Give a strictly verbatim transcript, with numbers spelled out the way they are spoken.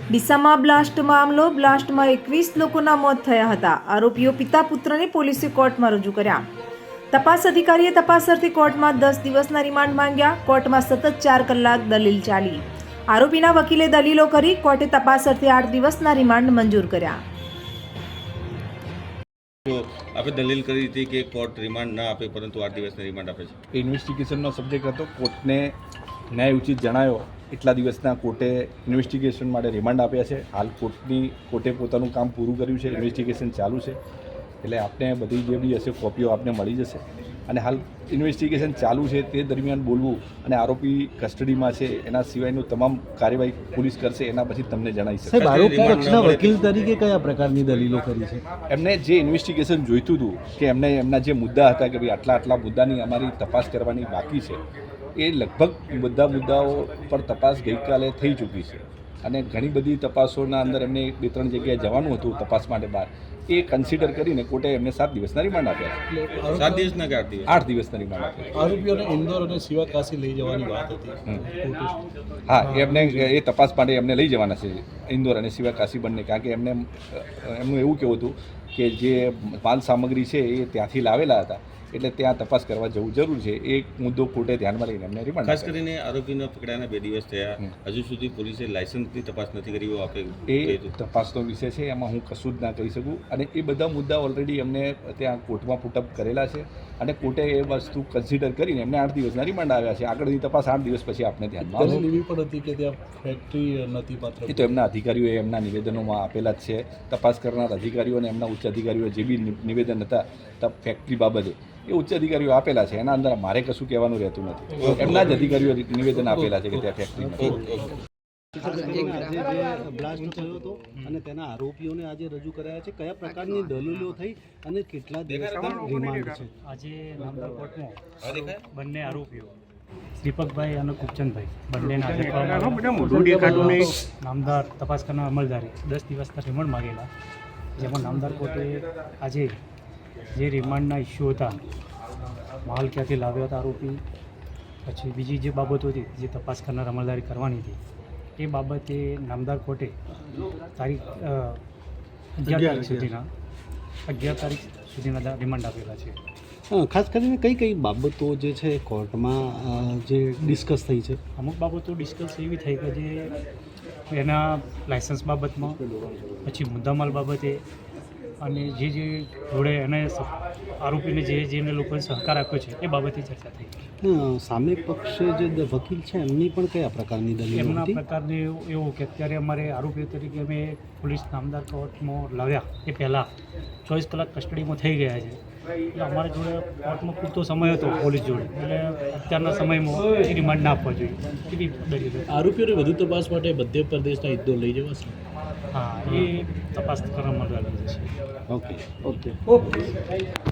ડીસામાં blast મામલો. બ્લાસ્ટમાં એકવીસ લોકોના મોત થયા હતા. આરોપીઓ પિતા પુત્રને પોલીસે કોર્ટમાં રજૂ કર્યા. તપાસ અધિકારીએ તપાસ અર્થે કોર્ટમાં દસ દિવસના રિમાન્ડ માંગ્યા. કોર્ટમાં સતત ચાર કલાક દલીલ ચાલી. આરોપીના વકીલે દલીલો કરી. કોર્ટે તપાસ અર્થે આઠ દિવસના રિમાન્ડ મંજૂર કર્યા. તો આપણે દલીલ કરી હતી કે કોર્ટ રિમાન્ડ ના આપે પરંતુ આઠ દિવસના રિમાન્ડ આપે છે. ઇન્વેસ્ટિગેશનનો સબ્જેક્ટ હતો. કોર્ટને ન્યાય ઉચિત જણાયો એટલા દિવસના કોર્ટે ઇન્વેસ્ટિગેશન માટે રિમાન્ડ આપ્યા છે. હાલ કોર્ટની કોર્ટે પોતાનું કામ પૂરું કર્યું છે. ઇન્વેસ્ટિગેશન ચાલુ છે એટલે આપને બધી જે બી હશે કોપીઓ આપને મળી જશે. અને હાલ ઇન્વેસ્ટિગેશન ચાલુ છે તે દરમિયાન બોલવું અને આરોપી કસ્ટડીમાં છે એના સિવાયનું તમામ કાર્યવાહી પોલીસ કરશે એના પછી તમને જણાવી શકશે. સાહેબ, આરોપી પક્ષના વકીલ તરીકે કયા પ્રકારની દલીલો કરી છે? એમને જે ઇન્વેસ્ટિગેશન જોઈતું હતું કે એમને એમના જે મુદ્દા હતા કે ભાઈ આટલા આટલા મુદ્દાની અમારી તપાસ કરવાની બાકી છે, એ લગભગ બધા મુદ્દાઓ પર તપાસ ગઈકાલે થઈ ચૂકી છે. અને ઘણી બધી તપાસોના અંદર એમને બે ત્રણ જગ્યાએ જવાનું હતું તપાસ માટે બહાર. એ કન્સિડર કરીને કોર્ટે એમને સાત દિવસના રિમાન્ડ આપ્યા છે. સાત દિવસના કે આઠ દિવસ? આઠ દિવસના રિમાન્ડ આપ્યા. આરોપીઓને ઇન્દોર અને સિવા કાશી લઈ જવાની વાત હતી. હા, એમને એ તપાસ માટે એમને લઈ જવાના છે ઇન્દોર અને સિવા કાશી બંને. કારણ કે એમને એમનું એવું કહેવું હતું કે જે માલ સામગ્રી છે એ ત્યાંથી લાવેલા હતા એટલે ત્યાં તપાસ કરવા જવું જરૂર છે. એ મુદ્દો કોર્ટે ધ્યાનમાં લઈને એમને રિમાન્ડ ખાસ કરીને આરોપીને પકડાયાના બે દિવસ થયા, હજુ સુધી પોલીસે લાયસન્સની તપાસ નથી કરી. આપણે એ તપાસનો વિષય છે, એમાં હું કશું જ ના કહી શકું. અને એ બધા મુદ્દા ઓલરેડી એમને ત્યાં કોર્ટમાં પુટઅપ કરેલા છે અને કોર્ટે એ વસ્તુ કન્સિડર કરીને એમને આઠ દિવસના રિમાન્ડ આવ્યા છે. આગળની તપાસ આઠ દિવસ પછી આપને ધ્યાનમાં આવશે. એવી પણ હતી કે ત્યાં ફેક્ટરી નથી પાત્ર. એ તો એમના અધિકારીઓએ એમના નિવેદનોમાં આપેલા જ છે. તપાસ કરનાર અધિકારીઓ અને એમના ઉચ્ચ અધિકારીઓ જે બી નિવેદન હતા ફેક્ટરી બાબતે એ ઉચ્ચ અધિકારીઓ આપેલા છે. એના અંદર મારે કશું કહેવાનું રહેતું નથી. એમના જ અધિકારીઓ નિવેદન આપેલા છે કે ત્યાં ફેક્ટરી નથી. બ્લાસ્ટ થયો હતો અને તેના આરોપીઓને આજે રજૂ કરાયા છે. કયા પ્રકારની દલીલો થઈ અને કેટલા દિવસના રિમાન્ડ છે? આજે નામદાર કોર્ટમાં બંને આરોપીઓ દીપકભાઈ અને કુપચંદભાઈ બંનેના આજે નામદાર તપાસ કરનાર અમલદારે દસ દિવસના રિમાન્ડ માગેલા, જેમાં નામદાર કોર્ટે આજે જે રિમાન્ડના ઇસ્યુ હતા, માલ ક્યાંથી લાવ્યો હતા આરોપી, પછી બીજી જે બાબતો હતી જે તપાસ કરનાર અમલદારી કરવાની હતી, એ બાબતે નામદાર કોર્ટે તારીખ અગિયાર તારીખ સુધીના અગિયાર તારીખ સુધીના રિમાન્ડ આપેલા છે. ખાસ કરીને કઈ કઈ બાબતો જે છે કોર્ટમાં જે ડિસ્કસ થઈ છે? અમુક બાબતો ડિસ્કસ એવી થઈ કે જે એના લાયસન્સ બાબતમાં, પછી મુદ્દામાલ બાબતે, અને જે જે જોડે એને આરોપીને જે જેને લોકોએ સહકાર આપ્યો છે એ બાબતે ચર્ચા થઈ. સામે પક્ષે જે વકીલ છે એમની પણ કયા પ્રકારની દલીલ? એમના પ્રકારને એવું કે અત્યારે અમારે આરોપીઓ તરીકે અમે પોલીસ નામદાર કોર્ટમાં લાવ્યા એ પહેલાં ચોવીસ કલાક કસ્ટડીમાં થઈ ગયા છે. એટલે અમારા જોડે કોર્ટમાં પૂરતો સમય હતો પોલીસ જોડે, એટલે અત્યારના સમયમાં એ રિમાન્ડ ના આપવા જોઈએ એવી દલીલ. આરોપીઓને વધુ તપાસ માટે મધ્ય પ્રદેશના ઇન્દોર લઈ જવાશે? હા, એ તપાસ કરવામાં આવી છે. Okay okay okay